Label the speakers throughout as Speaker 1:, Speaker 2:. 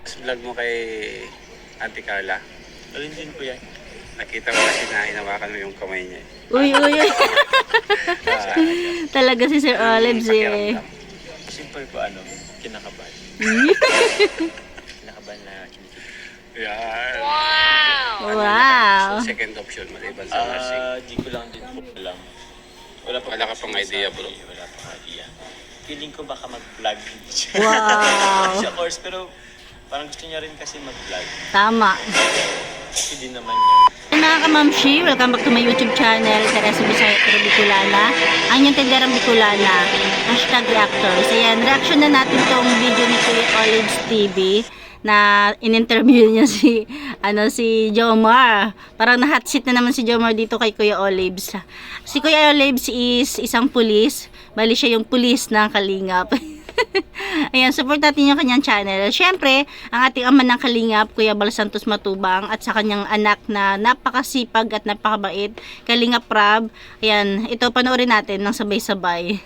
Speaker 1: Vlog mo kay Ate Carla.
Speaker 2: Alin din po yan?
Speaker 1: Nakita ko kasi na hinawakan mo yung kamay niya.
Speaker 3: Uy, uy, uy.
Speaker 1: Ah,
Speaker 3: Talaga si Sir Olives eh.
Speaker 1: pakiramdam.
Speaker 2: Simple po, kinakabahan. Kinakabahan na kinikilig.
Speaker 1: Yan.
Speaker 3: Wow.
Speaker 1: So, second option maliban sa nursing.
Speaker 2: Di ko lang din po alam.
Speaker 1: Wala ka pang idea, bro.
Speaker 2: Wala pang idea. Feeling ko baka mag-vlog.
Speaker 3: Wow.
Speaker 2: Siya course, pero parang gusto niya rin kasi mag-vlog.
Speaker 3: Tama.
Speaker 2: Kasi di naman yun.
Speaker 3: Mga kamamshi, welcome back to my YouTube channel, Teresa Bisaya Pero Bicolana. Ang yung tenderang Bicolana, #reactors. Ayan, reaction na natin tong video ni Kuya Olives TV na in-interview niya si Jomar. Parang na-hot seat na naman si Jomar dito kay Kuya Olives. Si Kuya Olives is isang pulis. Bali siya yung pulis ng Kalingap. Ayan, support natin yung kanyang channel. Siyempre, ang ating ama ng Kalingap, Kuya Bal Santos Matubang, at sa kanyang anak na napakasipag at napakabait, Kalingap Rab. Ayan, ito panoorin natin ng sabay-sabay.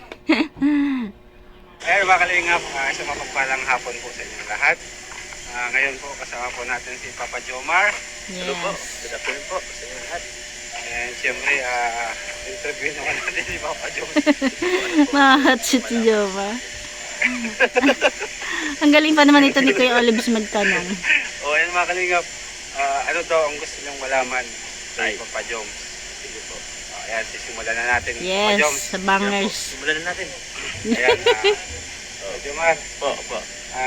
Speaker 1: Mga Kalingap, isang mapagpalang hapon po sa inyong lahat. Ngayon po kasama po natin si Papa Jomar.
Speaker 2: Hello po.
Speaker 3: Yes.
Speaker 2: Good afternoon po sa inyo lahat.
Speaker 1: And siyempre, interview naman natin si Papa Jomar.
Speaker 3: Mahot seat si Jomar. Ang galing pa naman ito ni Kuya Olives magtanong.
Speaker 1: Ayan mga Kalingap, ano daw ang gusto niyong malaman kay
Speaker 2: Ay.
Speaker 1: Papa Jom? Sige po. Ayan, sisimulan na natin. Papa Jom.
Speaker 3: Yes, sa bangers.
Speaker 2: Simulan na natin.
Speaker 1: Ayan, Jomar.
Speaker 2: Po.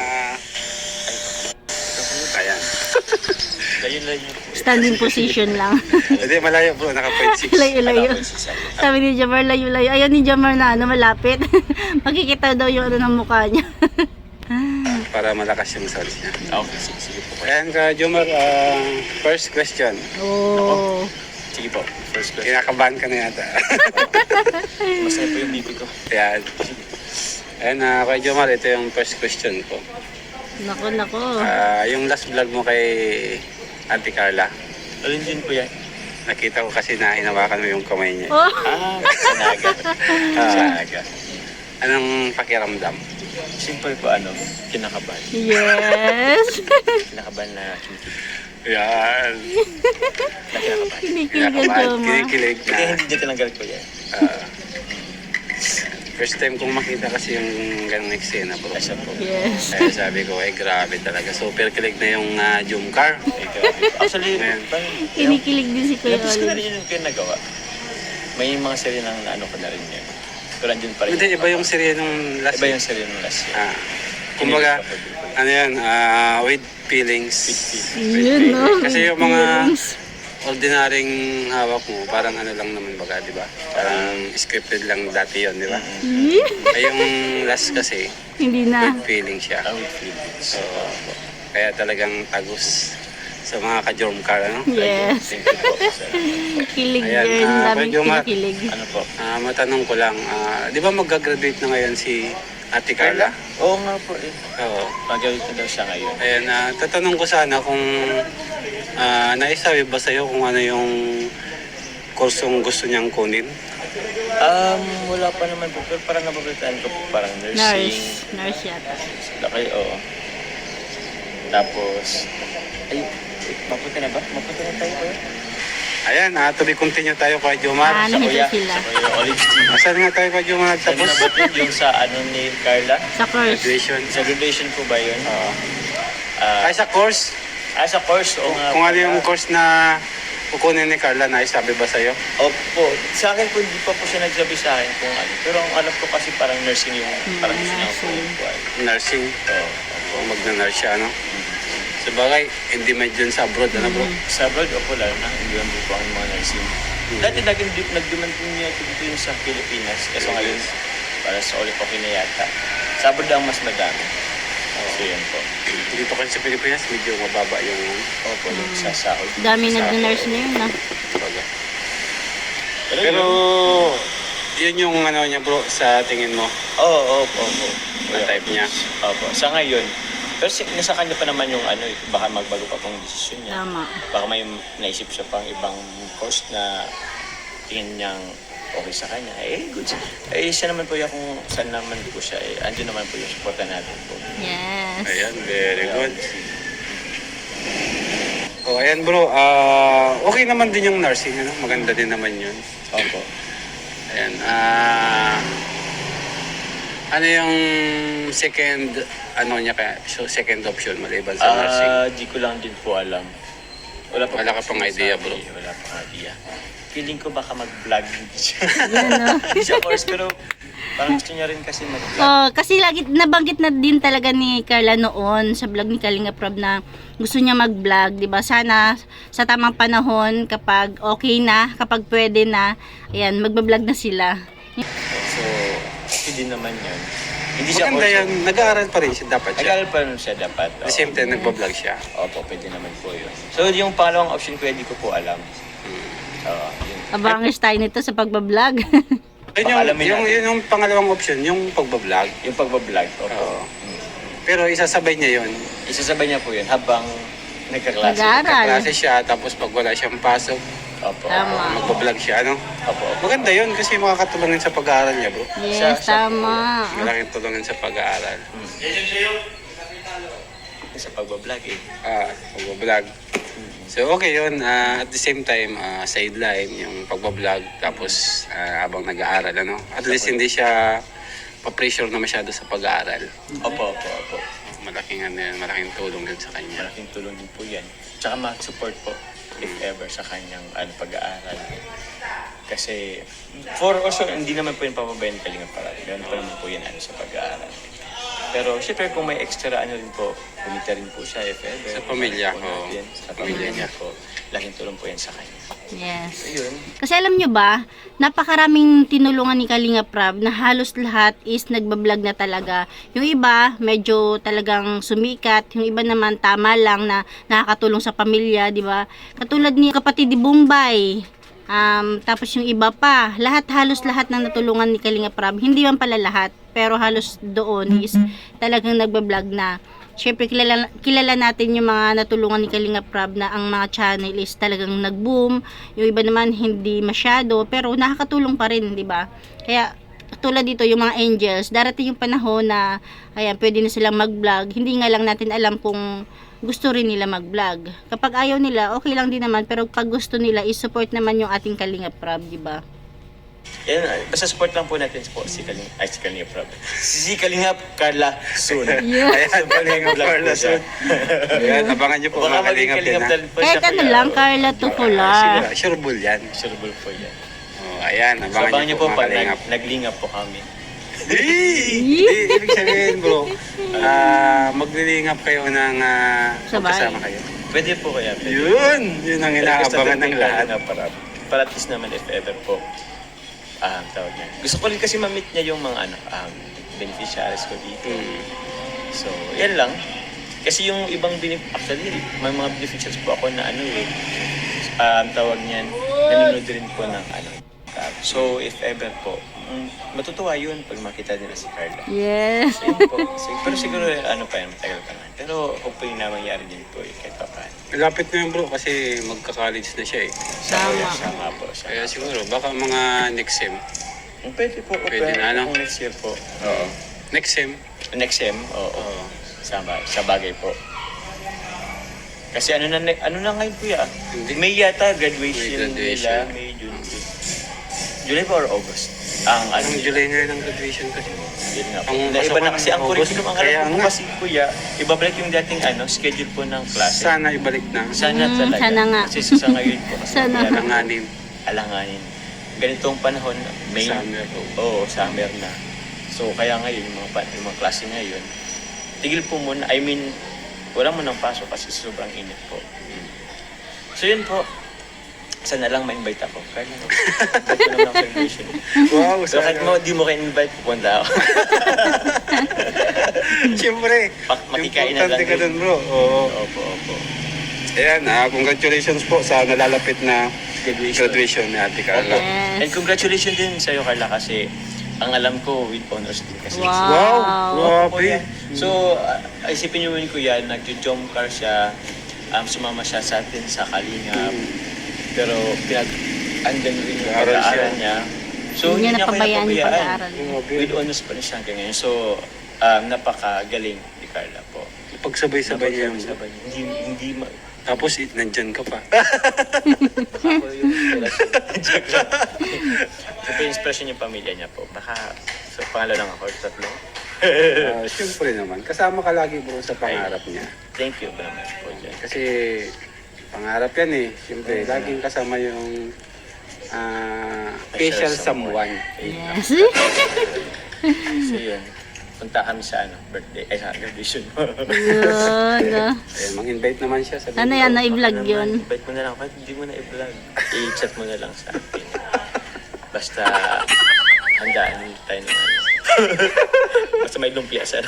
Speaker 1: Ayan.
Speaker 2: Layo-layo po.
Speaker 3: Standing position lang.
Speaker 1: Hindi, malayo bro, naka-point 6.
Speaker 3: Layo-layo. Sabi ni Jomar, layo-layo. Ayaw ni Jomar na malapit. Makikita daw yung ng mukha niya.
Speaker 1: Para malakas yung sounds niya.
Speaker 2: Okay, sige po.
Speaker 1: Ayan ka, Jomar, first question.
Speaker 3: Oh.
Speaker 2: Sige po. First question.
Speaker 1: Kinakabahan ka na yata.
Speaker 2: Masaya po yung bibi ko.
Speaker 1: Ayan. Ayan, kay Jomar, ito yung first question ko.
Speaker 3: Nako.
Speaker 1: Yung last vlog mo kay Ate Carla,
Speaker 2: Alin din po yan?
Speaker 1: nakita ko kasi na hinawakan mo yung kamay niya.
Speaker 3: Oh.
Speaker 2: Sanaga. Sanaga.
Speaker 1: Anong pakiramdam?
Speaker 2: Simple po, kinakabahan.
Speaker 3: Yes.
Speaker 2: Kinakabahan na kinikilig.
Speaker 1: Yan.
Speaker 2: Na kinakabahan.
Speaker 3: Kinikilig ang
Speaker 1: Kinakabahan,
Speaker 3: Jomar.
Speaker 1: kinikilig
Speaker 2: Kaya
Speaker 1: na.
Speaker 2: hindi niya tinanggal ko yan.
Speaker 1: First time kong makita kasi yung ganong eksena bro.
Speaker 2: Asya po.
Speaker 3: Yes.
Speaker 1: Kaya sabi ko, grabe talaga. Super kilig na yung Jomcar.
Speaker 2: Actually,
Speaker 1: Ayan.
Speaker 3: Kinikilig din si Kuya
Speaker 2: Labis ko na
Speaker 3: Olives.
Speaker 2: rin yung nagawa. May mga serye ng ko na rin yun. Pero andun pa rin.
Speaker 1: Hindi, iba yung serye nung last
Speaker 2: Iba yung serye ng last year.
Speaker 1: kumbaga, ano yan, with feelings.
Speaker 3: Yun, no?
Speaker 1: Kasi yung mga
Speaker 3: Feelings.
Speaker 1: ordinaryong hawak mo, parang ano lang naman baga, di ba? Parang scripted lang dati yon, di ba? Ay yung last kasi,
Speaker 3: Hindi na.
Speaker 1: with feeling siya.
Speaker 2: With feelings.
Speaker 1: So, kaya talagang tagus sa mga ka-Jomcar, ano?
Speaker 3: Yes.
Speaker 2: Thank you po.
Speaker 3: Kilig
Speaker 1: Ayan,
Speaker 3: din. Daming
Speaker 1: Kuya Jomar.
Speaker 3: kinikilig.
Speaker 2: Ano po?
Speaker 1: Matanong ko lang, di ba mag-graduate na ngayon si Ate Carla?
Speaker 2: Oo nga po eh.
Speaker 1: Oo.
Speaker 2: Mag-awit na daw siya ngayon.
Speaker 1: Ayan, tatanong ko sana kung naisabi ba sa'yo kung ano yung kursong gusto niyang kunin?
Speaker 2: Wala pa naman po. Pero parang nababalitaan ko po. Parang nursing.
Speaker 3: Nurse yata.
Speaker 2: Laki, oo. Tapos, mapunta na ba? Mapunta na tayo ba?
Speaker 1: Ayan, to be continue tayo kay Jomar.
Speaker 3: Ah,
Speaker 2: Sa
Speaker 3: Nakita
Speaker 2: kuya.
Speaker 3: sila.
Speaker 2: Sa kuya Olives team.
Speaker 1: Asan nga tayo kay Jomar
Speaker 2: Sabi
Speaker 1: nagtapos?
Speaker 2: na ba din yung sa ni Carla?
Speaker 3: Sa course.
Speaker 1: Graduation.
Speaker 2: Sa graduation po ba yun?
Speaker 1: Ay, sa course.
Speaker 2: Sa course, oo nga.
Speaker 1: Kung ano
Speaker 2: pala.
Speaker 1: yung course na kukunin ni Carla, naisabi ba sa'yo?
Speaker 2: Opo. Sa akin po, hindi pa po siya nagsabi sa akin kung ano. Pero ang alam ko kasi parang nursing yung parang gusto niya po yung buhay.
Speaker 1: Nursing.
Speaker 2: Oo.
Speaker 1: Kung magna-nurse siya, no? Sa bagay, hindi may dyan sa abroad, ano bro?
Speaker 2: Sa abroad, opo lalo na. Hindi naman po ang mga nursing. Dati nagduman po niya dito yung sa Pilipinas. Kaso ngayon, para sa ulit okay na yata. Sa abroad ang mas madami. So yun po.
Speaker 1: Dito kasi sa Pilipinas, medyo mababa yung
Speaker 2: Opo, yung sa sahod.
Speaker 3: Dami nag-nurse na yun, ah.
Speaker 1: baga.
Speaker 2: Pero,
Speaker 1: Pero, yun yung ano niya bro, sa tingin mo,
Speaker 2: opo.
Speaker 1: na type niya.
Speaker 2: Opo, sa ngayon. Pero nasa kanya pa naman yung baka magbago pa pong desisyon niya.
Speaker 3: Tama.
Speaker 2: Baka may naisip siya pang ibang course na tingin niyang okay sa kanya. Good. Siya naman po yung kung saan naman po siya. Andun naman po yung supportan natin po.
Speaker 3: Yes.
Speaker 1: Ayan, very good. ayan bro, okay naman din yung nursing, ano? Maganda din naman yun.
Speaker 2: Opo.
Speaker 1: Ayan, ano yung second, ano niya kaya, so second option maliban sa nursing?
Speaker 2: Di ko lang din po alam. Wala
Speaker 1: Wala ka pang idea, bro?
Speaker 2: Wala pang idea. Feeling ko baka mag-vlog hindi siya.
Speaker 3: Yan, no?
Speaker 2: Hindi siya course, pero parang gusto niya rin kasi mag-vlog.
Speaker 3: Oh, kasi lagi nabanggit na din talaga ni Carla noon sa vlog ni Kalinga Prab na gusto niya mag-vlog, 'di ba? Sana sa tamang panahon kapag okay na, kapag pwede na, ayan, magba-vlog na sila.
Speaker 2: So, okay din naman yun. Hindi siya
Speaker 1: Maganda
Speaker 2: course.
Speaker 1: yan, nag-aaral pa rin siya, dapat siya.
Speaker 2: Nag-aaral pa rin siya dapat.
Speaker 1: At the same time, nagbablog siya.
Speaker 2: Opo, pwede naman po yun. So, yung pangalawang option ko, hindi ko po alam. So, yun.
Speaker 3: Abangis tayo nito sa pagba-vlog.
Speaker 1: Yun
Speaker 2: Pakalamin natin.
Speaker 1: yun yung pangalawang option, yung pagbablog.
Speaker 2: Yung pagbablog, opo.
Speaker 1: Oo. Pero isasabay niya yun.
Speaker 2: Isasabay niya po yun habang nagkaklase.
Speaker 3: Nag-aaral.
Speaker 1: Klase siya, tapos pag wala siyang pasok,
Speaker 2: Opo.
Speaker 3: Tama.
Speaker 1: magbablog siya, ano?
Speaker 2: Opo, opo.
Speaker 1: Maganda yun kasi makakatulungin sa pag-aaral niya, bro.
Speaker 3: Yes, tama.
Speaker 1: Malaking tulungan sa pag-aaral.
Speaker 2: Sa pagbablog eh.
Speaker 1: Pagbablog. So okay yun, at the same time, sideline yung pagbablog, tapos habang nag-aaral, ano? At least hindi siya pa-pressure na masyado sa pag-aaral.
Speaker 2: Opo, opo, opo.
Speaker 1: Malaking, ano, yan, malaking tulong din sa kanya.
Speaker 2: Malaking tulong din po yan. Tsaka mag-support po if ever sa kanyang pag-aaral. Kasi, for also, hindi naman po yung papabayan Kalinga Prab. Meron pa naman po yan sa pag-aaral. Pero syempre kung may extra ano rin po, kumita rin po siya if ever.
Speaker 1: Sa pamilya
Speaker 2: Po
Speaker 1: ko.
Speaker 2: natin, sa pamilya niya po. Laking tulong po yan sa kanya.
Speaker 3: Yes.
Speaker 2: Ayun.
Speaker 3: Kasi alam nyo ba, napakaraming tinulungan ni Kalinga Prab na halos lahat is nagbablog na talaga. Yung iba, medyo talagang sumikat. Yung iba naman, tama lang na nakakatulong sa pamilya, di ba? Katulad ni kapatid ni Bombay. Tapos yung iba pa, halos lahat ng natulungan ni Kalinga Prab. Hindi man pala lahat, pero halos doon is talagang nagbablog na. Siyempre, kilala natin yung mga natulungan ni Kalinga Prab na ang mga channel is talagang nag-boom. Yung iba naman hindi masyado, pero nakakatulong pa rin, di ba? Kaya, tulad dito, yung mga angels, darating yung panahon na, ayan, pwede na silang mag-vlog. Hindi nga lang natin alam kung gusto rin nila mag-vlog. Kapag ayaw nila, okay lang din naman, pero pag gusto nila, i-support naman yung ating Kalinga Prab, di ba?
Speaker 2: Yan, basta support lang po natin po si Kalinga Prab. Si Kalinga Carla soon.
Speaker 3: Yeah.
Speaker 1: Ayan, Kalinga Carla soon. Ayan, abangan niyo po
Speaker 2: Baka
Speaker 1: mga
Speaker 2: maging
Speaker 1: Kalinga
Speaker 2: Kalinga
Speaker 1: Pin, ha?
Speaker 2: Prab po
Speaker 3: Kahit
Speaker 2: siya,
Speaker 3: ano
Speaker 2: kuya.
Speaker 3: lang, Carla Tukula.
Speaker 1: Siguro, sure bull yan.
Speaker 2: Sureable po yan.
Speaker 1: Ayan,
Speaker 2: So,
Speaker 1: abangan
Speaker 2: abangan
Speaker 1: niyo
Speaker 2: niyo
Speaker 1: po
Speaker 2: po
Speaker 1: mga
Speaker 2: pag
Speaker 1: Kalinga.
Speaker 2: naglingap po kami.
Speaker 1: Ibig sabihin, bro, maglilingap kayo ng
Speaker 3: Sabay.
Speaker 1: magkasama kayo.
Speaker 2: Pwede po kaya. Pwede.
Speaker 1: Yun ang inaabangan ng lahat.
Speaker 2: Para at least naman if ever po, tawag niya. Gusto ko rin kasi ma-meet niya yung mga beneficiaries ko dito. So, yan lang. Kasi yung ibang actually, may mga beneficiaries po ako na tawag niyan, nanonood rin po ng So, if ever po, matutuwa yun pag makita nila si Carla.
Speaker 3: Yes.
Speaker 2: So, yun po. Pero siguro, pa yan, matagal pa naman. Pero, hopefully na mangyari din po kahit pa paano.
Speaker 1: Malapit na yun, bro, kasi magka-college na siya eh.
Speaker 3: Tama.
Speaker 2: Sama po.
Speaker 1: Kaya siguro, baka mga next sem.
Speaker 2: Pwede po.
Speaker 1: Pwede na, ano?
Speaker 2: Kung next year po. Oo.
Speaker 1: Next sem?
Speaker 2: Next sem, oo. Sama, sa bagay po. Kasi ano na ngayon kuya?
Speaker 1: Hindi.
Speaker 2: May yata graduation,
Speaker 1: May graduation.
Speaker 2: nila, May June. July ba or August? Ang
Speaker 1: Anong July na yun ang graduation kasi?
Speaker 2: Yun nga po.
Speaker 1: Ang
Speaker 2: Dahil iba na
Speaker 1: pasukan
Speaker 2: kasi ang
Speaker 1: August.
Speaker 2: curriculum. Ang
Speaker 1: Kaya
Speaker 2: alam ko
Speaker 1: nga.
Speaker 2: kasi kuya, ibabalik yung dating schedule po ng klase.
Speaker 1: Sana ibalik na.
Speaker 2: Sana talaga.
Speaker 3: sana nga.
Speaker 2: Kasi sa ngayon po. Kasi
Speaker 3: Sana.
Speaker 2: kaya
Speaker 1: Alanganin.
Speaker 2: alanganin. Ganitong panahon, May.
Speaker 1: Summer po.
Speaker 2: Oo, summer na. So, kaya ngayon, yung mga klase ngayon, tigil po muna. I mean, wala mo nang pasok kasi sobrang init po. So, yun po. Sana lang ma-invite ako. Kaya lang, invite ko naman ang celebration.
Speaker 1: Wow,
Speaker 2: So, kahit di mo kayo invite, pupunta ako.
Speaker 1: Siyempre,
Speaker 2: Makikain na lang
Speaker 1: importante ka
Speaker 2: din.
Speaker 1: dun, bro. Oo.
Speaker 2: Opo.
Speaker 1: Ayan, congratulations po sa nalalapit na graduation ni Ate Carla.
Speaker 3: Yes.
Speaker 2: And congratulations din sa'yo, Carla, kasi ang alam ko, with honors din kasi.
Speaker 3: Wow.
Speaker 1: Grabe.
Speaker 2: So, isipin niyo yun, kuya, nag-jump car siya, sumama siya sa atin sa Kalingap, pero andyan rin yung
Speaker 1: Nag-aaral
Speaker 2: pag-aaral
Speaker 1: siya.
Speaker 2: niya. So,
Speaker 3: Hindi niya
Speaker 2: niya
Speaker 3: napabayaan yung
Speaker 2: kinapabayaan.
Speaker 3: pag-aaral.
Speaker 1: Grabe.
Speaker 2: With honors pa rin siya hanggang ngayon. So, napakagaling ni Carla po.
Speaker 1: Napagsabay-sabay niya yung...
Speaker 2: Sabay. Hindi
Speaker 1: Tapos nandyan ka pa.
Speaker 2: ako yung inspirasyon. Joke lang. Siyempre, inspirasyon yung pamilya niya po. Baka sa pangalan lang ako, tatlo.
Speaker 1: Siyempre naman, kasama ka lagi bro sa pangarap niya.
Speaker 2: Thank you very much po dyan.
Speaker 1: Kasi pangarap yan eh. Siyempre, laging kasama yung special someone.
Speaker 3: Yes.
Speaker 2: So yun, punta kami sa birthday, sa graduation mo.
Speaker 3: Yun.
Speaker 1: Eh, mang-invite naman siya. Sabi
Speaker 3: Ano yan, na-vlog yun.
Speaker 2: Invite mo na lang, kahit hindi mo na i-vlog. I-chat mo na lang sa akin. Basta, handaan tayo naman. Basta may lumpia sa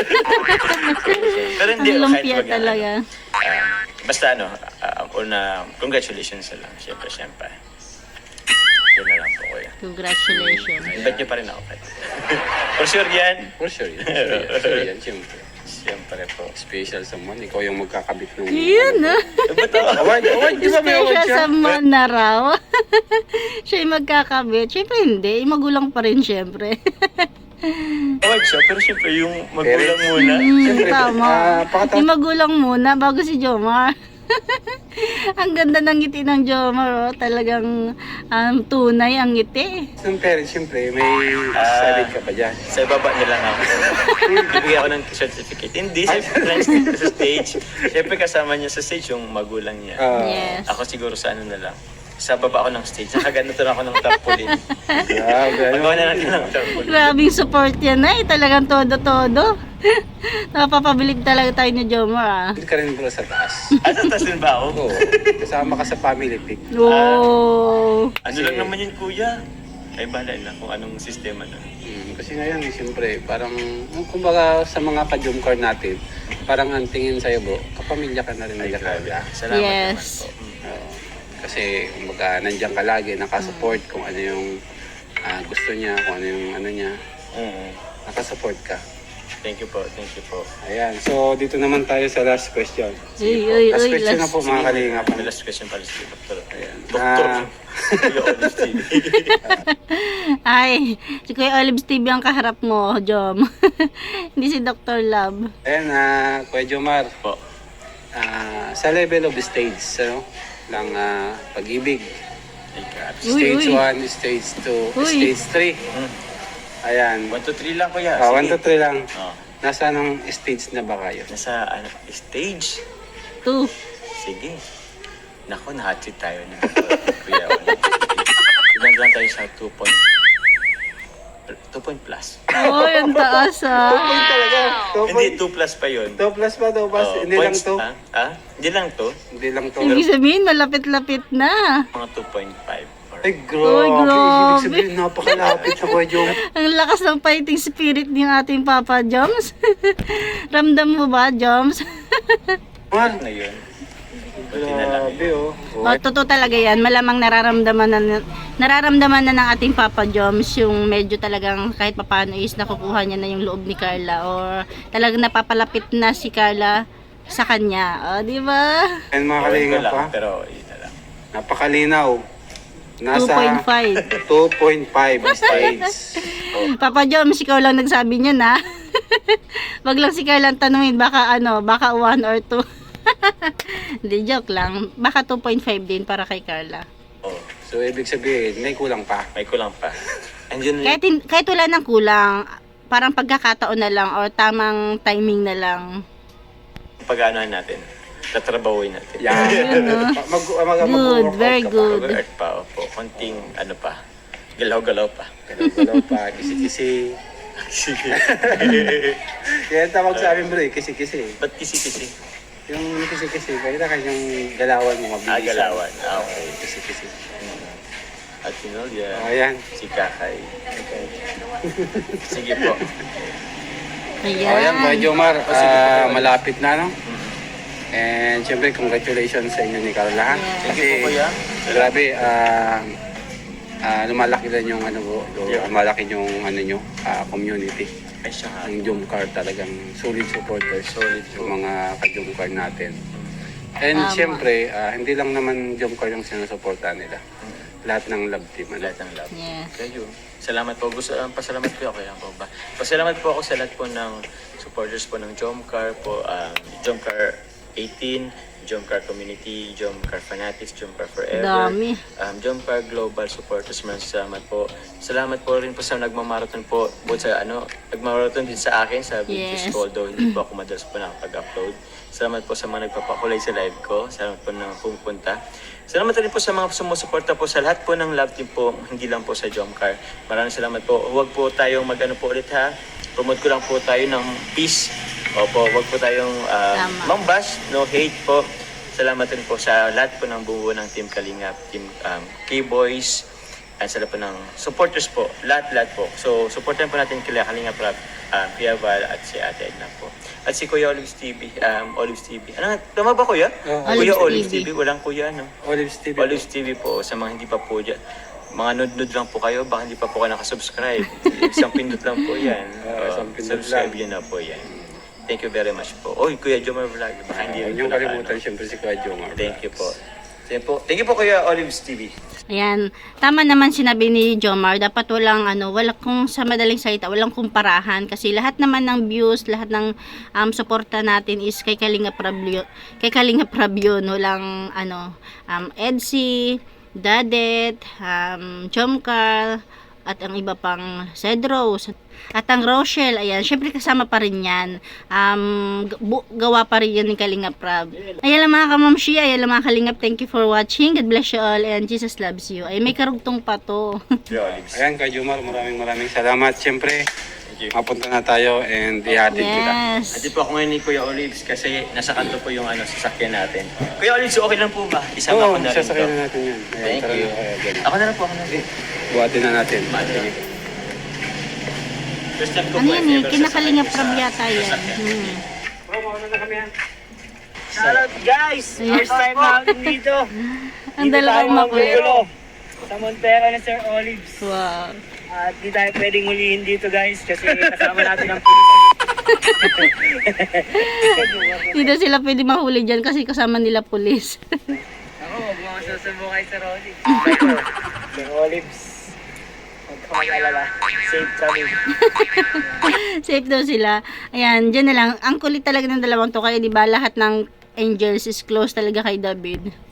Speaker 2: Pero hindi,
Speaker 3: Ang
Speaker 2: kahit
Speaker 3: lumpia
Speaker 2: wag na,
Speaker 3: talaga.
Speaker 2: basta ang una, congratulations na lang, syempre. Yun na lang po kuya.
Speaker 3: Congratulations.
Speaker 2: Invite niyo pa rin ako kahit. For sure yan.
Speaker 1: For sure yan. Sure yan, siyempre.
Speaker 2: Siyempre po.
Speaker 1: Special someone. Ikaw yung magkakabit ng...
Speaker 3: Yun, ah.
Speaker 2: Ba't ako?
Speaker 1: Award, di ba may award
Speaker 3: Special
Speaker 1: siya?
Speaker 3: sa man na raw. Siya yung magkakabit. Siyempre hindi. Magulang pa rin siyempre.
Speaker 2: Award siya, pero siyempre yung magulang muna.
Speaker 1: Siyempre,
Speaker 3: Tama.
Speaker 1: pakatapos.
Speaker 3: Yung magulang muna bago si Jomar. Ang ganda ng ngiti ng Jomar. Oh. Talagang tunay ang ngiti.
Speaker 1: Ng parents, siyempre, may sabit ka pa dyan.
Speaker 2: Sa ibaba nila ako. Bibigyan ako ng certificate. Hindi, siyempre sa stage. Siyempre kasama niya sa stage yung magulang niya.
Speaker 3: Yes.
Speaker 2: Ako siguro sa ano na lang. Sa baba ako ng stage. Nakaganito na ako ng tarpaulin.
Speaker 1: Grabe, ano?
Speaker 2: Magawa na lang ng tarpaulin.
Speaker 3: Grabing support yan ay. Talagang todo-todo. Napapabilib talaga tayo ni Jomar.
Speaker 1: Hindi ka rin bro sa taas.
Speaker 2: At tatas din ba ako?
Speaker 1: Oo. Kasama ka sa family pic.
Speaker 3: Oh.
Speaker 2: Ano lang naman yun kuya? Ay bala na kung anong sistema na.
Speaker 1: Kasi ngayon, siyempre, parang, kumbaga sa mga ka-jumcar natin, parang ang tingin sa'yo bro, kapamilya ka na rin nila kaya.
Speaker 2: Salamat
Speaker 3: Yes.
Speaker 2: naman po.
Speaker 1: Kasi, kumbaga, nandiyan ka lagi, nakasupport kung ano yung gusto niya, kung ano yung ano niya, nakasupport ka.
Speaker 2: Thank you po, thank you po.
Speaker 1: Ayan, so dito naman tayo sa last question.
Speaker 3: Uy,
Speaker 1: Last question na
Speaker 3: last.
Speaker 1: po mga kalingap.
Speaker 2: May last question pala si Doktor.
Speaker 1: Ayan.
Speaker 2: Doktor. Kuya Olive TV.
Speaker 3: Ay, si Kuya Olives TV ang kaharap mo, Jom. Hindi si Dr. Love.
Speaker 1: Ayan, Kuya Jomar,
Speaker 2: Po.
Speaker 1: sa level of stage, ano, ng pag-ibig,
Speaker 2: Ay, grabe.
Speaker 1: stage
Speaker 3: Uy.
Speaker 1: 1, stage 2,
Speaker 3: Uy.
Speaker 1: stage 3. Ayan,
Speaker 2: 1, 2, 3 lang kuya.
Speaker 1: 1 to 3 lang.
Speaker 2: Oh.
Speaker 1: Nasa anong stage na ba kayo?
Speaker 2: Nasa stage.
Speaker 3: 2.
Speaker 2: Sige. Nako, nahatid tayo na. Kuya Olive. Ilan lang tayo sa 2 point plus.
Speaker 3: Oh, yung taas
Speaker 1: Point
Speaker 3: ah.
Speaker 1: talaga.
Speaker 2: Hindi, 2 plus pa yun.
Speaker 1: 2 plus pa, 2 plus.
Speaker 2: Oh,
Speaker 1: Hindi lang
Speaker 2: points,
Speaker 1: to.
Speaker 2: Hindi lang to.
Speaker 1: Hindi lang to.
Speaker 3: Ibig sabihin, malapit-lapit na.
Speaker 2: Mga 2.5.
Speaker 1: Ay, grabe.
Speaker 3: Ay, grabe.
Speaker 1: Ibig sabihin, napakalapit na Kuya Jom.
Speaker 3: Ang lakas ng fighting spirit ng ating Papa Joms. Ramdam mo ba, Joms?
Speaker 1: Man,
Speaker 2: Na yun. Buti na lang
Speaker 1: grabe
Speaker 2: yun.
Speaker 1: oh.
Speaker 3: O, totoo talaga yan. Malamang nararamdaman na ng ating Papa Joms yung medyo talagang kahit papano is nakukuha niya na yung loob ni Carla or talagang napapalapit na si Carla sa kanya. O, di ba?
Speaker 1: And mga
Speaker 2: Ewan ko
Speaker 1: kalingap
Speaker 2: lang,
Speaker 1: pa,
Speaker 2: pero yun na lang.
Speaker 1: napakalinaw. Nasa
Speaker 3: 2.5.
Speaker 1: 2.5 stage.
Speaker 3: Papa Joms, ikaw lang nagsabi niya na. Wag lang si Carla ang tanungin, baka 1 or 2. Hindi, joke lang. Baka 2.5 din para kay Carla.
Speaker 2: Oh,
Speaker 1: So, ibig sabihin, may kulang pa.
Speaker 2: may kulang pa. Andiyan
Speaker 3: Kahit wala ng kulang, parang pagkakataon na lang or tamang timing na lang.
Speaker 2: pag-aanohan natin. Tatrabahuin natin.
Speaker 1: Yan.
Speaker 3: Good, very good.
Speaker 2: Mag-art pa, opo. Konting, pa. Galaw-galaw pa.
Speaker 1: Galaw pa, kisi-kisi.
Speaker 2: Sige.
Speaker 1: Kaya tawag sa amin bro, kisi-kisi.
Speaker 2: Ba't kisi-kisi?
Speaker 1: Yung kisi-kisi, kaya na yung galawan mo mabilis.
Speaker 2: Galawan. Okay.
Speaker 1: Kisi-kisi.
Speaker 2: At Sinolya.
Speaker 1: Ayan.
Speaker 2: Si Kakay. Sige po.
Speaker 1: Ayan, Kuya Jomar, malapit na, no? And syempre, congratulations sa inyo ni Carla.
Speaker 3: Yeah.
Speaker 2: Thank you po, Kuya.
Speaker 1: Grabe, lumalaki din yung lumalaki yung community.
Speaker 2: Ay, siya nga.
Speaker 1: Ang Jomcar talagang solid supporters.
Speaker 2: Solid po.
Speaker 1: Yung mga ka-Jomcar natin. And
Speaker 3: Tama.
Speaker 1: syempre, hindi lang naman Jomcar yung sinusuportahan nila. lahat ng love team. Ano?
Speaker 2: Lahat ng love.
Speaker 3: Yes.
Speaker 2: Kayo. Salamat po. Pasalamat po ako. Yan po ba? Pasalamat po ako sa lahat po ng supporters po ng Jomcar po. Jomcar 18, Jomcar Community, Jomcar Fanatics, Jomcar Forever.
Speaker 3: Dami.
Speaker 2: Jomcar Global Supporters. Maraming salamat po. Salamat po rin po sa nagmamarathon po. Both sa nagmamarathon din sa akin sa videos
Speaker 3: Yes.
Speaker 2: ko. Although hindi po ako madalas po nakapag-upload. Salamat po sa mga nagpapakulay sa live ko. Salamat po na pumunta. Salamat rin po sa mga sumusuporta po sa lahat po ng love team po, hindi lang po sa Jomcar. Maraming salamat po. Huwag po tayong mag-ano po ulit ha. Promote ko lang po tayo ng peace. Opo, huwag po tayong
Speaker 3: Tama.
Speaker 2: mambash, no hate po. Salamat rin po sa lahat po ng buo ng Team Kalingap, Team K-Boys, at sa lahat po ng supporters po. Lahat po. So, supportan po natin kila Kalingap Rap, Kuya Val, at si Ate Edna po. At si Kuya Olives TV. Olives TV. Ano nga? Tama ba Kuya?
Speaker 1: Oo.
Speaker 2: Kuya
Speaker 3: Olives
Speaker 2: Olives
Speaker 3: TV.
Speaker 2: TV. Walang Kuya, no?
Speaker 1: Olives TV.
Speaker 2: Olives TV po. Sa mga hindi pa po dyan. Mga nod-nod lang po kayo. Baka hindi pa po kayo nakasubscribe. Isang pindot lang po yan.
Speaker 1: Isang pindot
Speaker 2: Subscribe
Speaker 1: lang.
Speaker 2: yun na po yan. Thank you very much po. Oy, Kuya Jomar Vlog. Baka hindi rin
Speaker 1: Yung
Speaker 2: po
Speaker 1: kalimutan, siyempre si Kuya Jomar.
Speaker 2: Thank you po. Thank you po Kuya Olives TV.
Speaker 3: Ayan, tama naman sinabi ni Jomar, dapat wala kung sa madaling salita, walang kumparahan kasi lahat naman ng views, lahat ng suporta natin is kay Kalinga Prab yun, walang Edsy, Dadet, Jomcar, at ang iba pang Cedros, at ang Rochelle, ayan, syempre kasama pa rin yan. Gawa pa rin yan ni Kalinga Prab. Ayan lang mga kamamshi, ayan lang mga Kalingap, thank you for watching. God bless you all and Jesus loves you. Ay, may karugtong pa to.
Speaker 2: Kuya Olives.
Speaker 1: Ayan, Kuya Jomar, maraming salamat. Siyempre,
Speaker 2: Thank you.
Speaker 1: mapunta na tayo and ihatid kita.
Speaker 3: Yes.
Speaker 2: Ati po ako ngayon ni Kuya Olives kasi nasa kanto po yung sasakyan natin. Kuya Olives, okay lang po ba? Isama ko na rin
Speaker 1: sasakyan
Speaker 2: to.
Speaker 1: na natin yan. Ayan,
Speaker 2: Thank
Speaker 1: tara
Speaker 2: you.
Speaker 1: na, Kuya Jomar.
Speaker 2: Ako na lang po, ako na lang.
Speaker 1: Buhatin na natin.
Speaker 2: First time ko
Speaker 3: Ano
Speaker 2: po,
Speaker 3: yan eh,
Speaker 2: ever
Speaker 3: kinakalinga
Speaker 2: sasakyan
Speaker 3: Prab
Speaker 2: sa
Speaker 3: yata yan.
Speaker 2: sasakyan.
Speaker 1: Bro, mauna na kami yan.
Speaker 4: Shoutout guys! First time namin dito.
Speaker 3: Ang dalawang makulit.
Speaker 4: Sa Montero na Sir Olives.
Speaker 3: Wow.
Speaker 4: At di tayo pwedeng hulihin dito guys kasi kasama natin ang pulis.
Speaker 3: Hindi daw sila pwede mahuli dyan kasi kasama nila pulis.
Speaker 4: Ako, huwag mo susubo kay Sir Olives. Ito, Sir Olives. Huwag ka mag-alala. Safe kami.
Speaker 3: Safe daw sila. Ayan, dyan na lang. Ang kulit talaga ng dalawang to. Kaya di ba lahat ng angels is close talaga kay David.